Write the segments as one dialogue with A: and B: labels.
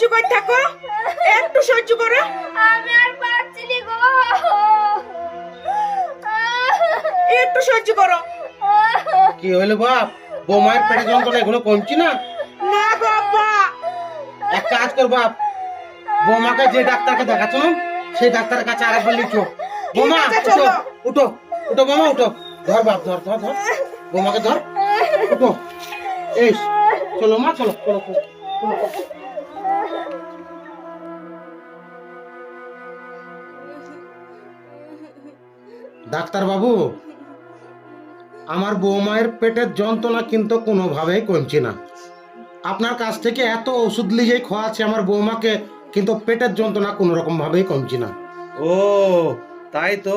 A: করে থাকো, একটু সহ্য করো।
B: আমি আর পারছি না গো।
A: একটু সহ্য করো।
C: কি হইলো বাপ? বৌমায়ের পেটে যন্ত্রণা এগুলো কমছি না?
A: না বাবা,
C: এক কাজ কর বাপ, বৌমাকে যে ডাক্তারকে দেখাচ্ছ না সেই ডাক্তারের কাছে আরেকবার লিখো। বৌমা
A: আছে,
C: উঠো
A: চলো।
C: উঠো উঠো বৌমা উঠো। ধর বাপ ধর ধর ধর, বৌমাকে ধর, উঠো। এই চলো মা, চলো চলো চলো, চলো। ডাক্তার বাবু, আমার বৌমায়ের পেটের যন্ত্রণা কিন্তু কোনোভাবেই কমছে না। আপনার কাছ থেকে এত ওষুধ লিয়ে খাওয়াচ্ছে আমার বৌমাকে, কিন্তু পেটের যন্ত্রণা কোনো রকম ভাবেই কমছে না।
D: ও তাই তো।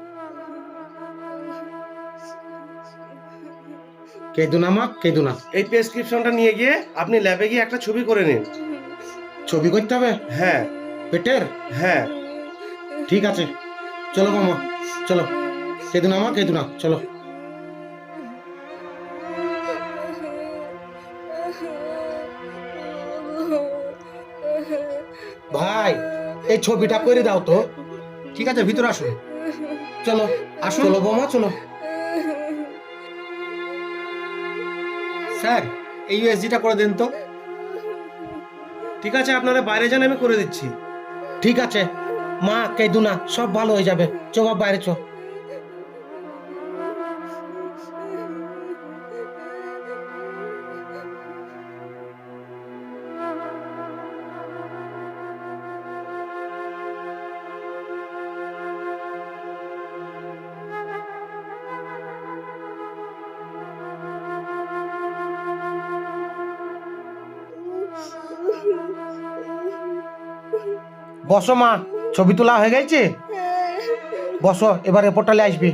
C: কেঁদো না মা, কেঁদো না।
D: এই প্রেসক্রিপশনটা নিয়ে গিয়ে আপনি ল্যাবে গিয়ে একটা ছবি করে নিন।
C: ছবি করতে হবে
D: হ্যাঁ
C: পেটের?
D: হ্যাঁ।
C: ঠিক আছে, চলো মামা চলো। কেঁদো না মা, কেঁদো না, চলো। ভাই এই ছবিটা করে দাও তো।
E: ঠিক আছে, ভিতরে আসুন।
C: চলো
E: আসুন।
C: চলো বৌমা চলো।
E: স্যার, এই ইউএসজিটা করে দেন তো।
D: ঠিক আছে, আপনারা বাইরে যান, আমি করে দিচ্ছি।
C: ঠিক আছে মা, কেঁদো না, সব ভালো হয়ে যাবে। চো বাপ, বাইরে চো। বসো মা, ছবি তোলা হয়ে গেছে? বসো, এবার রিপোর্টালে আসবি।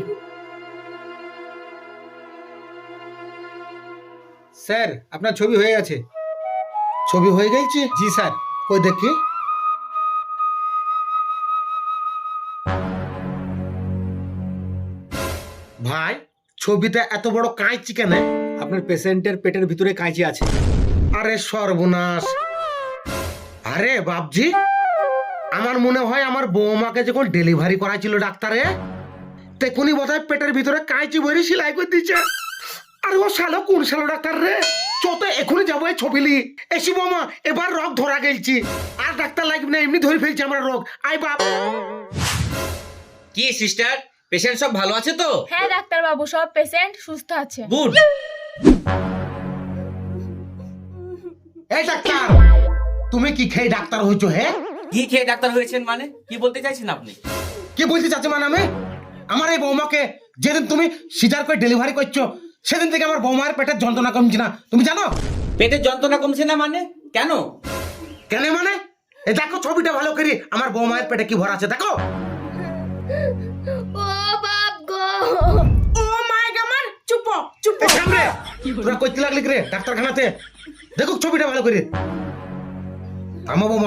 E: স্যার, আপনার ছবি হয়ে গেছে।
C: ছবি হয়ে গেছে?
E: জি স্যার।
C: কই দেখি। ভাই ছবিতে এত বড় কাঁচি কেন?
E: আপনার পেশেন্টের পেটের ভিতরে কাঁচি আছে।
C: আরে সর্বনাশ! আরে বাপজি, আমার মনে হয় আমার বৌমাকে যখন ডেলিভারি করাছিল ডাক্তারে, তখনই বোধহয় পেটের ভিতরে কাঁচি ভরে সেলাই করে দিচ্ছে। আরে ও শালো কোন শালো ডাক্তার রে? চত এখনই যাবো এই ছবি লি। এসি বৌমা, এবার রোগ ধরা গেলছি। আর ডাক্তার লাগবে না, এমনি ধরে ফেলছি আমরা রোগ। আই বাপ।
F: কি সিস্টার, পেশেন্ট সব ভালো আছে তো?
B: হ্যাঁ ডাক্তার বাবু, সব পেশেন্ট সুস্থ আছে।
F: গুড।
C: এই ডাক্তার, তুমি কি খেয়ে ডাক্তার হয়েছো? হে,
F: কি খেয়ে ডাক্তার হয়েছেন মানে কি বলতে চাইছেন আপনি?
C: কি বলতে চাচ্ছি মানে আমি? আমার এই বৌমাকে যেদিন তুমি সিজার করে ডেলিভারি করছো, সেদিন থেকে আমার বৌমার পেটের যন্ত্রণা কমছে না, তুমি জানো?
F: পেটের যন্ত্রণা কমছে না মানে কেন?
C: কেন মানে? এই দেখো ছবিটা ভালো করে, আমার বৌমায়ের পেটে কি ভরা আছে দেখো।
B: ও বাপ গো।
A: ও মাই গড, চুপ চুপ।
C: এই সামনে তোরা কইতে লাগলি রে ডাক্তারখানাতে? দেখো ছবিটা ভালো করে। আমার বৌমা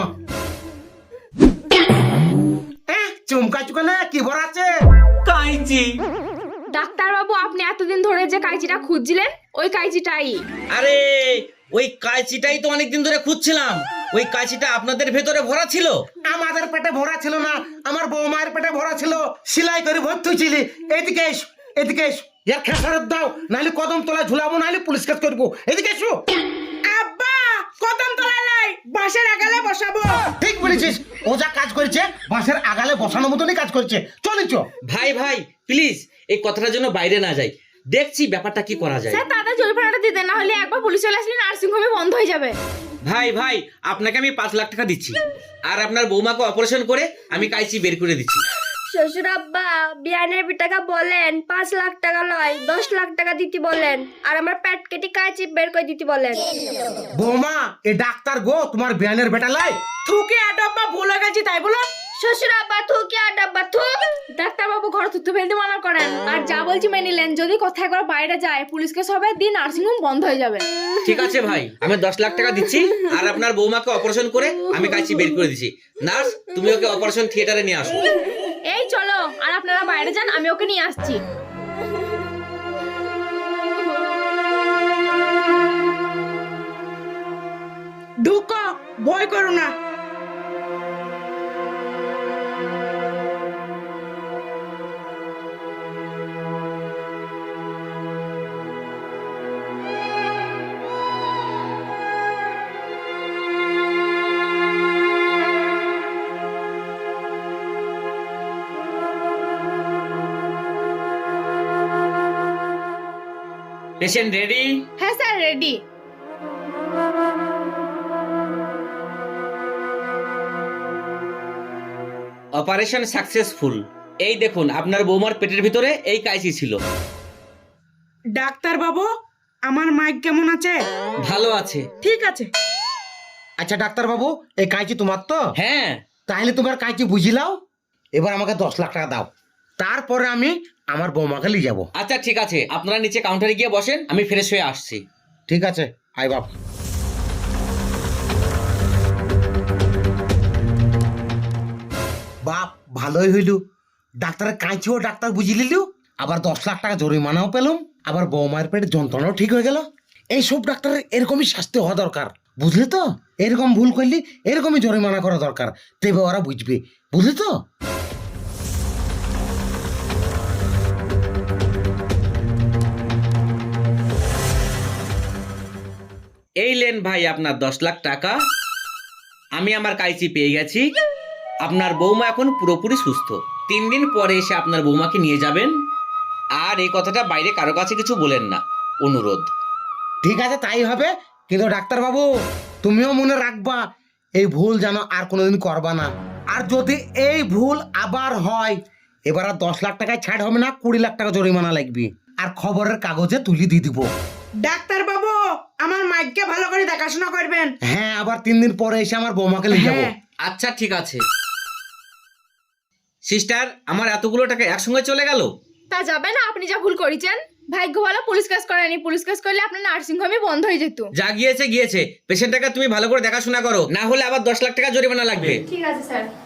C: চুমকা চুকালে কি ভরা আছে?
F: কাইচি।
B: ডাক্তার বাবু, আপনি এতদিন ধরে যে কাঁচিটা খুঁজছিলেন, ওই কাঁচিটাই।
F: আরে ওই কাঁচিটাই তো অনেকদিন ধরে খুঁজছিলাম। ওই কাঁচিটা আপনাদের ভেতরে ভরা ছিল?
C: আমাদের পেটে ভরা ছিল না, আমার বৌমায়ের পেটে ভরা ছিল। সেলাই করে ভর্তি হয়েছিলি। এদিকে এসো, এদিকে এসো। এর খেসারত দাও, নাহলে কদম তলায় ঝুলাবো, নাহলে পুলিশ কেস করবো। এদিকে এসো।
A: আব্বা, কদম তলায় নাই, বাঁশের আগালে বসাবো।
C: ঠিক বলেছিস, ও যা কাজ করেছে বাঁশের আগালে বসানোর মতনই কাজ করেছে। চলিছ।
F: ভাই ভাই প্লিজ এই কথাটার জন্য বাইরে না যাই, দেখছি ব্যাপারটা কি করা যায়।
B: স্যার তাদের জরিমানাটা দিতে, না হলে একবার পুলিশ চলে আসলে নার্সিং হোমে বন্ধ হয়ে যাবে।
F: ভাই ভাই আপনাকে আমি 5 লাখ টাকা দিচ্ছি, আর আপনার বৌমাকে অপারেশন করে আমি কাইচি বের করে দিচ্ছি।
B: শ্বশুর আব্বা, বিয়ানের টাকা বলেন 5 লাখ টাকা নয় 10 লাখ টাকা দিতে বলেন, আর আমার পেট কেটে কাঁচি বের করে দিতে বলেন।
C: বৌমা, এ ডাক্তার গো তোমার বিয়ানের বেটা লাই।
A: থুকে আডব্বা ভুল হয়ে গেছি তাই বলো।
B: শ্বশুর আব্বা থু কি আর ডাব্বা থু। ডাক্তার বাবু ঘর থুতু ফেলতে মানা করেন, আর যা বলছি মেনে নিলেন। যদি কথা একবার বাইরে যায়, পুলিশকে সবাই দিয়ে নার্সিং হোম বন্ধ হয়ে যাবে।
F: ঠিক আছে ভাই, আমি 10 লাখ টাকা দিচ্ছি, আর আপনার বৌমাকে অপারেশন করে আমি কাইচি বের করে দিচ্ছি। নার্স, তুমি ওকে অপারেশন থিয়েটারে নিয়ে আসো।
B: এই চলো, আর আপনারা বাইরে যান, আমি ওকে নিয়ে আসছি।
A: ঢুকো, ভয় করো না।
F: Patient ready?
B: হ্যাঁ স্যার, রেডি।
F: Operation successful. এই দেখুন আপনার বৌমার পেটের ভিতরে এই কাঁচি ছিল।
A: ডাক্তার বাবু, আমার মাইক কেমন আছে?
F: ভালো আছে।
A: ঠিক আছে।
C: আচ্ছা ডাক্তার বাবু, এই কাঁচি তোমার তো?
F: হ্যাঁ।
C: তাহলে তোমার কাঁচি বুঝিলাও, এবার আমাকে 10 লাখ টাকা দাও, তারপরে আমি আমার বৌমাকে নিয়ে যাবো।
F: আচ্ছা ঠিক আছে, আপনারা নিচে কাউন্টারে গিয়ে বসেন, আমি ফ্রেশ হয়ে আসছি।
C: ঠিক আছে, আই বাপ। বাপ ভালোই হইল, ডাক্তারের কাঁচিও ডাক্তার বুঝি লিলু, আবার 10 লাখ টাকা জরিমানাও পেলাম, আবার বৌমায়ের পেটে যন্ত্রণাও ঠিক হয়ে গেল। এইসব ডাক্তারের এরকমই শাস্তি হওয়া দরকার, বুঝলি তো? এরকম ভুল করলি এরকমই জরিমানা করা দরকার, তবে ওরা বুঝবে, বুঝলি তো?
F: এই লেন ভাই আপনার 10 লাখ টাকা। আমি আমার কাঁচি পেয়ে গেছি। আপনার বৌমা এখন পুরোপুরি সুস্থ। 3 দিন পরে এসে আপনার বৌমাকে নিয়ে যাবেন। আর এই কথাটা বাইরে কারো কাছে কিছু বলেন না, অনুরোধ।
C: ঠিক আছে, তাই হবে। কিন্তু ডাক্তার বাবু, তুমিও মনে রাখবা এই ভুল যেন আর কোনোদিন করবা না। আর যদি এই ভুল আবার হয়, এবার আর 10 লাখ টাকায় ছাড় হবে না, 20 লাখ টাকা জরিমানা লাগবে, আর খবরের কাগজে তুলি দিয়ে দিব।
A: ডাক্তার বাবু, আমার মাইককে ভালো করে দেখাশোনা করবেন।
C: হ্যাঁ, আবার 3 দিন পরে এসে আমার বৌমাকে নিয়ে যাবো।
A: হ্যাঁ।
F: আচ্ছা ঠিক আছে। সিস্টার, আমার এতগুলো টাকা একসঙ্গে চলে গেল।
B: তা যাবে না, আপনি যা ভুল করেছেন। ভাগ্য ভালো পুলিশ কেস করেনি, পুলিশ কেস করলে আপনার নার্সিং হোমই বন্ধ হয়ে যেত।
F: যা গিয়েছে গিয়েছে, পেশেন্টটাকে তুমি ভালো করে দেখাশোনা করো, না হলে আবার 10 লাখ টাকা জরিমানা লাগবে।
B: ঠিক আছে স্যার।